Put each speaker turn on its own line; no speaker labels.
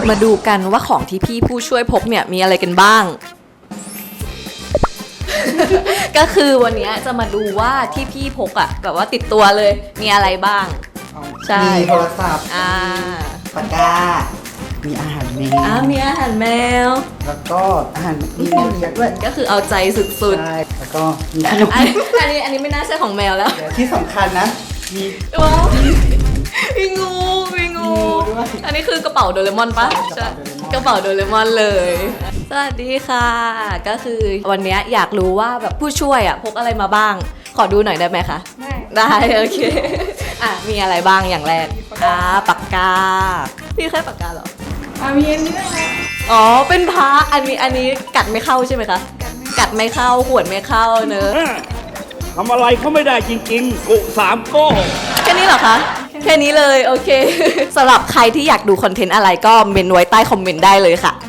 มาดูกันว่าของที่พี่ผู้ช่วยพกเนี่ยมีอะไรกันบ้าง ก็คือวันนี้จะมาดูว่าที่พี่พกอะแบบว่าติดตัวเลยมีอะไรบ้าง ใช่
มีโทรศัพท์ ปากกา มีอาหารแมว
มีอาหารแมว
แล้วก็อาหารมีแมวเลี้ยงด้วย
ก็คือเอาใจสุด
ใช่แล้วก็มีขนม
ๆอันนี้ไม่น่าใช่ของแมวแล้ว
ที่สำคัญนะ มี
ว้าวมีงูมีงู
ด้วย
อันนี้คือกระเป๋าโดเรมอนปะ
ใช่
กระเป๋าโดเรมอนเลย สวัสดีค่ะ ก็คือวันนี้อยากรู้ว่าแบบผู้ช่วยอ่ะพกอะไรมาบ้าง ขอดูหน่อยได้ไหมคะ ได้โอเค มีอะไรบ้างอย่างแรกปากกา พี่แค่ปากกาเหรอ
มีอันนี้ด้วยนะ
อ๋อ เป็นพระอันนี้กัดไม่เข้าใช่ไหมคะ กัดไม่เข้าขวดไม่เข้าเนอะ
ทำอะไรเขาไม่ได้จริงๆ กุสามโก้
แค่นี้เหรอคะ แค่นี้เลยโอเค สำหรับใครที่อยากดูคอนเทนต์อะไรก็เมนไว้ใต้คอมเมนต์ได้เลยค่ะ